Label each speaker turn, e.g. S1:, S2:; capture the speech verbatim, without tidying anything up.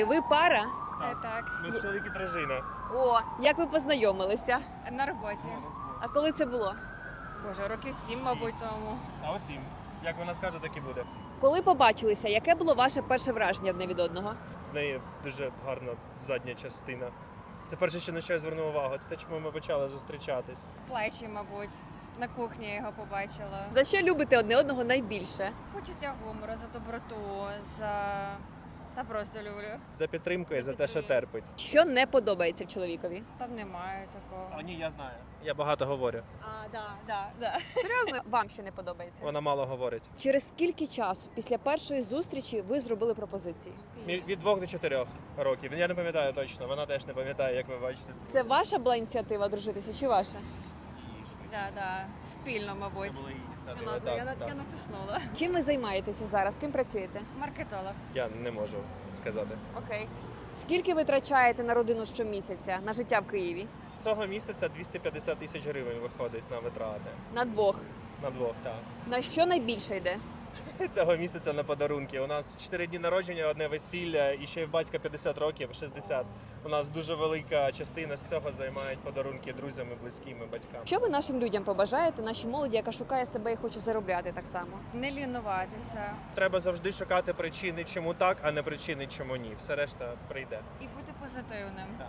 S1: Ви пара?
S2: Е, Так,
S3: Ми чоловік і дружина.
S1: О, як ви познайомилися?
S2: на роботі.
S1: А коли це було?
S2: Боже, років сім, мабуть, тому.
S3: А ось їм. Як вона скаже, так і буде.
S1: Коли побачилися, яке було ваше перше враження одне від одного?
S3: В неї дуже гарна задня частина. Це перше, що на що я звернув увагу. Це те, чому ми почали зустрічатись.
S2: Плечі, мабуть. На кухні я його побачила.
S1: За що любите одне одного найбільше?
S2: Почуття гумору, за доброту, за. Та просто люблю.
S3: За підтримку і за те, що терпить.
S1: Що не подобається в чоловікові?
S2: Там немає такого.
S3: А ні, я знаю. Я багато говорю.
S1: А, да.
S2: Да, да.
S1: Серйозно? Вам що не подобається?
S3: Вона мало говорить.
S1: Через скільки часу після першої зустрічі ви зробили пропозиції?
S3: Мі- Від двох до чотирьох років. Я не пам'ятаю точно. Вона теж не пам'ятає, як ви бачите.
S1: Це ваша була ініціатива дружитися чи ваша?
S2: Да, да. Спільно, мабуть.
S3: Це була її ініціатива.
S2: Ладно, я,
S3: Так,
S2: на-
S3: так.
S2: я натиснула.
S1: Чим ви займаєтеся зараз? Ким працюєте?
S2: Маркетолог.
S3: Я не можу сказати.
S1: Окей. Скільки ви витрачаєте на родину щомісяця, на життя в Києві?
S3: Цього місяця двісті п'ятдесят тисяч гривень виходить на витрати.
S1: На двох.
S3: На двох, так.
S1: На що найбільше йде?
S3: Цього місяця на подарунки. У нас чотири дні народження, одне весілля, і ще й в батька п'ятдесят років, шістдесят. У нас дуже велика частина з цього займають подарунки друзям і близьким і батькам.
S1: Що ви нашим людям побажаєте, нашій молоді, яка шукає себе і хоче заробляти так само?
S2: Не лінуватися.
S3: Треба завжди шукати причини, чому так, а не причини, чому ні. Все решта прийде.
S2: І бути позитивним.